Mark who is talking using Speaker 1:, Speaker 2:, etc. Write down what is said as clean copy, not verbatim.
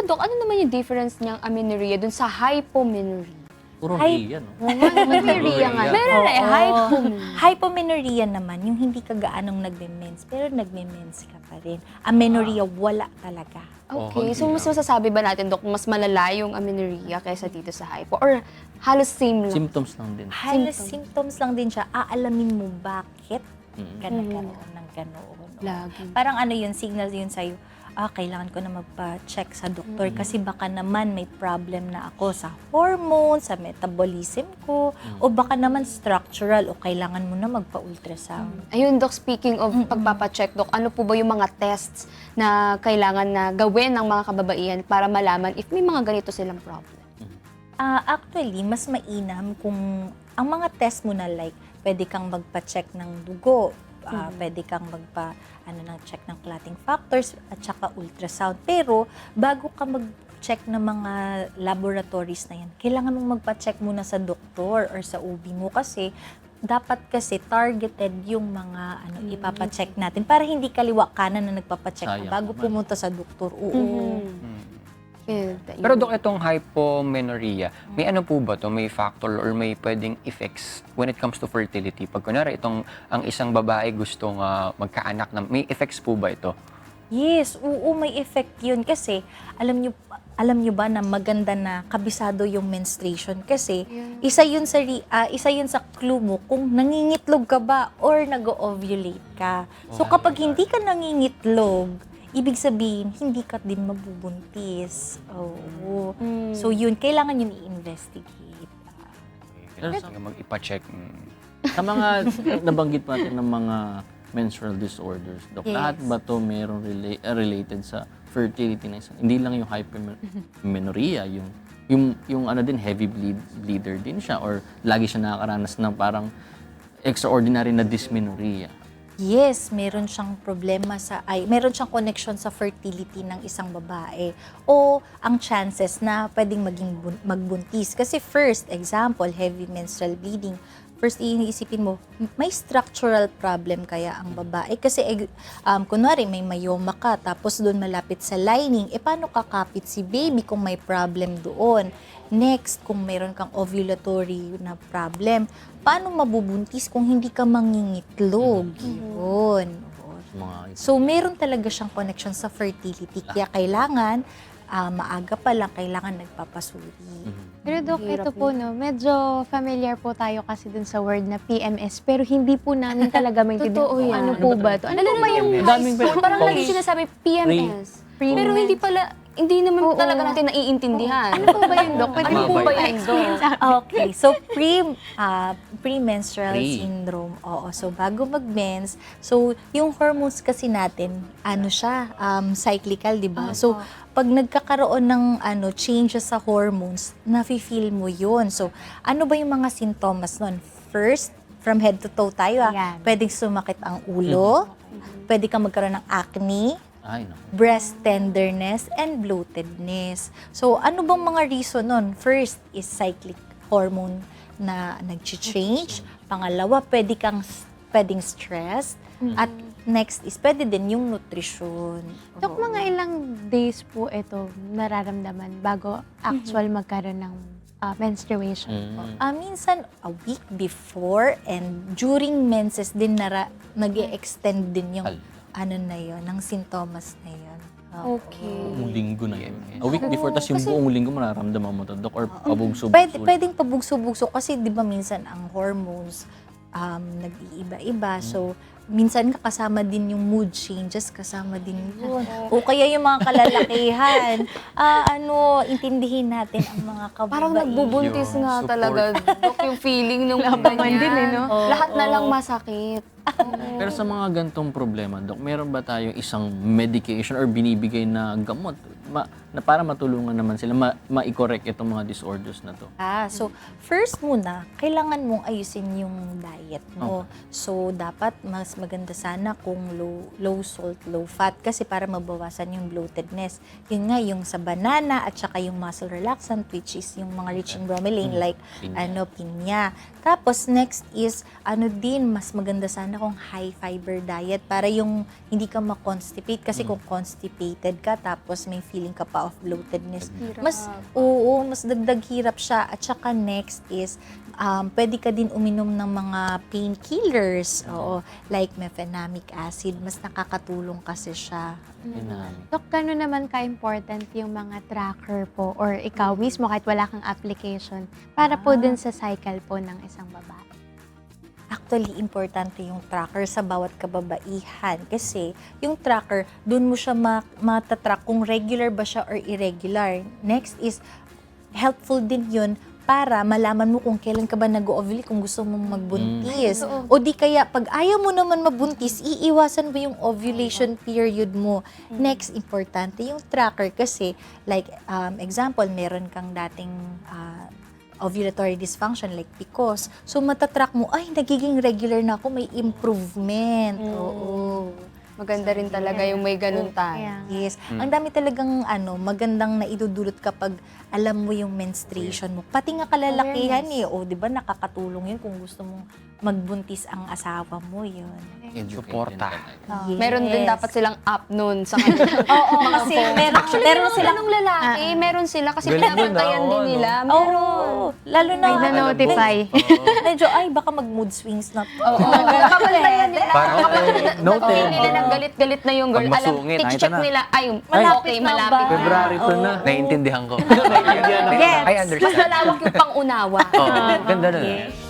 Speaker 1: Dok, ano naman yung difference niyang amenorrhea dun sa hypomenorrhea?
Speaker 2: Puro Rhea, no?
Speaker 1: Amenorrhea nga. Meron na hypomenorrhea.
Speaker 3: Hypomenorrhea naman, yung hindi ka gaanong nagme-mens, pero nagme-mens ka pa rin. Amenorrhea, wala talaga.
Speaker 1: Okay,
Speaker 2: hindi
Speaker 1: so mas
Speaker 2: lang.
Speaker 1: masasabi ba natin, Dok, mas malala yung amenorrhea kaysa dito sa hypo? Or halos same lang?
Speaker 2: Symptoms lang din.
Speaker 3: Halos symptoms lang din siya. Aalamin mo bakit ka nagkaroon ng ganoon.
Speaker 1: Lagi.
Speaker 3: Parang ano yun, signal yun sa'yo, kailangan ko na magpa-check sa doktor kasi baka naman may problem na ako sa hormones, sa metabolism ko, o baka naman structural, o kailangan mo na magpa-ultrasound.
Speaker 1: Ayun, Dok, speaking of pagpapacheck, Dok, ano po ba yung mga tests na kailangan na gawin ng mga kababaihan para malaman if may mga ganito silang problem?
Speaker 3: Actually, mas mainam kung ang mga test mo na like, pwede kang magpa-check ng dugo, pwede kang check ng clotting factors at saka ultrasound. Pero bago ka mag-check ng mga laboratories na yan, kailangan mong magpa-check muna sa doktor or sa OB mo kasi dapat kasi targeted yung mga ipapacheck natin para hindi kaliwa kanan na nagpapacheck ka
Speaker 2: Sayang
Speaker 3: bago
Speaker 2: naman.
Speaker 3: pumunta sa doktor. Oo.
Speaker 4: Pero Dok, itong hypomenorrhea, may ano po ba to? May factor or may pwedeng effects when it comes to fertility? Pag kunwari, ang isang babae gustong magkaanak, may effects po ba ito?
Speaker 3: Yes, oo, may effect yun. Kasi, alam nyo ba na maganda na kabisado yung menstruation? Kasi, isa yun sa clue mo kung nangingitlog ka ba or nag-ovulate ka. So, kapag hindi ka nangingitlog, ibig sabihin, hindi ka din mabubuntis. Oo. So, yun, kailangan yun i-investigate.
Speaker 4: Kailangan mag-ipa-check.
Speaker 2: Sa mga nabanggit natin ng mga menstrual disorders, Dok,
Speaker 3: Yes.
Speaker 2: lahat ba to meron related sa fertility na isa? Hindi lang yung hypomenorrhea, yung ano din, heavy bleeder din siya or lagi siya nakakaranas ng parang extraordinary na dysmenorrhea.
Speaker 3: Yes, meron siyang meron siyang connection sa fertility ng isang babae o ang chances na pwedeng magbuntis. Kasi first, example, heavy menstrual bleeding. First, iisipin mo, may structural problem kaya ang babae? Kasi, kunwari, may myoma ka, tapos doon malapit sa lining, paano kakapit si baby kung may problem doon? Next, kung meron kang ovulatory na problem, paano mabubuntis kung hindi ka mangingitlog? Yun. So, meron talaga siyang connection sa fertility. Kaya kailangan, maaga pa lang, kailangan nagpapasuri.
Speaker 5: Pero Dok, ito po, no, medyo familiar po tayo kasi dun sa word na PMS, pero hindi po namin talaga maintindihan
Speaker 1: Totoo
Speaker 5: kung
Speaker 1: yan.
Speaker 5: ano po ba to. Ano po ba yung
Speaker 2: Daming
Speaker 1: Parang lagi sinasabi PMS. Pero hindi naman talaga natin naiintindihan.
Speaker 5: Ano po ba yun, Dok? Pwede
Speaker 1: Ano
Speaker 5: po
Speaker 1: po ba
Speaker 5: ba
Speaker 1: yun,
Speaker 5: explain
Speaker 1: Dok?
Speaker 5: sa akin?
Speaker 3: Okay, so premenstrual
Speaker 2: Pre.
Speaker 3: syndrome. Oo, so bago mag-mens, so yung hormones kasi natin, cyclical, 'di ba? So pag nagkakaroon ng changes sa hormones, nafi-feel mo 'yun. So ano ba yung mga sintomas nun? First, from head to toe tayo.
Speaker 5: Ayan.
Speaker 3: Pwedeng sumakit ang ulo, pwede kang magkaroon ng acne,
Speaker 2: Ay, no.
Speaker 3: breast tenderness, and bloatedness. So, ano bang mga reason nun? First is cyclic hormone na nag-change. Pangalawa, pwedeng stress. At next is pwede din yung nutrition.
Speaker 5: Dok, mga ilang days po ito nararamdaman bago actual magkaroon ng menstruation po?
Speaker 3: Minsan, a week before and during menses din nag-extend din yung ng sintomas na yun.
Speaker 1: Okay.
Speaker 2: Buong linggo na yun. A week before, tas yung buong linggo mararamdaman mo to, Dok, or pabugso-bugso.
Speaker 3: Pwedeng pabugso-bugso kasi di ba minsan ang hormones nag-iiba-iba. So, minsan kasama din yung mood changes, kasama din yun. O kaya yung mga kalalakihan, intindihin natin ang mga kababaihan.
Speaker 1: Parang nagbubuntis
Speaker 4: Yun,
Speaker 1: nga
Speaker 4: support.
Speaker 1: talaga, Dok, yung feeling ng
Speaker 5: Labaman din, eh, no?
Speaker 1: Lahat na lang masakit.
Speaker 2: Pero sa mga gantong problema, Dok, meron ba tayong isang medication or binibigay na gamot na para matulungan naman sila ma-correct itong mga disorders na to?
Speaker 3: So first muna, kailangan mong ayusin yung diet mo. So dapat mas maganda sana kung low salt, low fat kasi para mabawasan yung bloatedness. Yun nga yung sa banana at saka yung muscle relaxant which is yung mga rich in bromelain like pinya. Tapos next is mas maganda sana kung high fiber diet para yung hindi ka ma-constipate kasi kung constipated ka tapos may feeling ka pa of bloatedness. Mas dagdag hirap siya. At saka next is, pwede ka din uminom ng mga painkillers, like mefenamic acid, mas nakakatulong kasi siya.
Speaker 5: Dok, gano'n naman ka-important yung mga tracker po or ikaw mismo kahit wala kang application para po dun sa cycle po ng isang babae?
Speaker 3: Actually, importante yung tracker sa bawat kababaihan kasi yung tracker, dun mo siya matatrack kung regular ba siya or irregular. Next is, helpful din yun para malaman mo kung kailan ka ba nag-ovulate, kung gusto mong magbuntis. O di kaya, pag ayaw mo naman mabuntis, iiwasan mo yung ovulation period mo. Next, importante yung tracker kasi, like, example, meron kang dating ovulatory dysfunction like PCOS. So, matatrack mo, ay, nagiging regular na ako, may improvement. Oo.
Speaker 1: Maganda rin talaga yung may ganun tayo.
Speaker 5: Kaya nga.
Speaker 3: Yes. Ang dami talagang magandang naidudulot kapag alam mo yung menstruation mo. Pati nga kalalakihan O, di ba nakakatulong yun kung gusto mong magbuntis ang asawa mo yun.
Speaker 4: Suporta.
Speaker 3: Yes.
Speaker 1: Meron din dapat silang app nun sa kanila.
Speaker 3: Oo, kasi meron silang
Speaker 1: Ganong lalaki, meron sila kasi
Speaker 4: Galing yun,
Speaker 1: pinapantayan din
Speaker 4: no?
Speaker 1: nila.
Speaker 3: Oo, lalo na
Speaker 5: May na-notify.
Speaker 3: medyo, ay, baka mag-mood swings na to.
Speaker 1: Kapantayan nila.
Speaker 4: Parang, noted.
Speaker 1: Nila ng galit-galit na yung girl.
Speaker 4: Pag
Speaker 1: Alam,
Speaker 4: masungit,
Speaker 1: i-check
Speaker 2: nakita na.
Speaker 1: nila, ay,
Speaker 3: Malapit
Speaker 1: okay,
Speaker 3: na
Speaker 1: malapit.
Speaker 3: ba?
Speaker 2: February to na.
Speaker 4: Naiintindihan ko.
Speaker 3: Gets.
Speaker 4: I
Speaker 1: Mas
Speaker 4: understand.
Speaker 1: lalawak yung pangunawa.
Speaker 4: Oh, ganda na.
Speaker 3: Yes.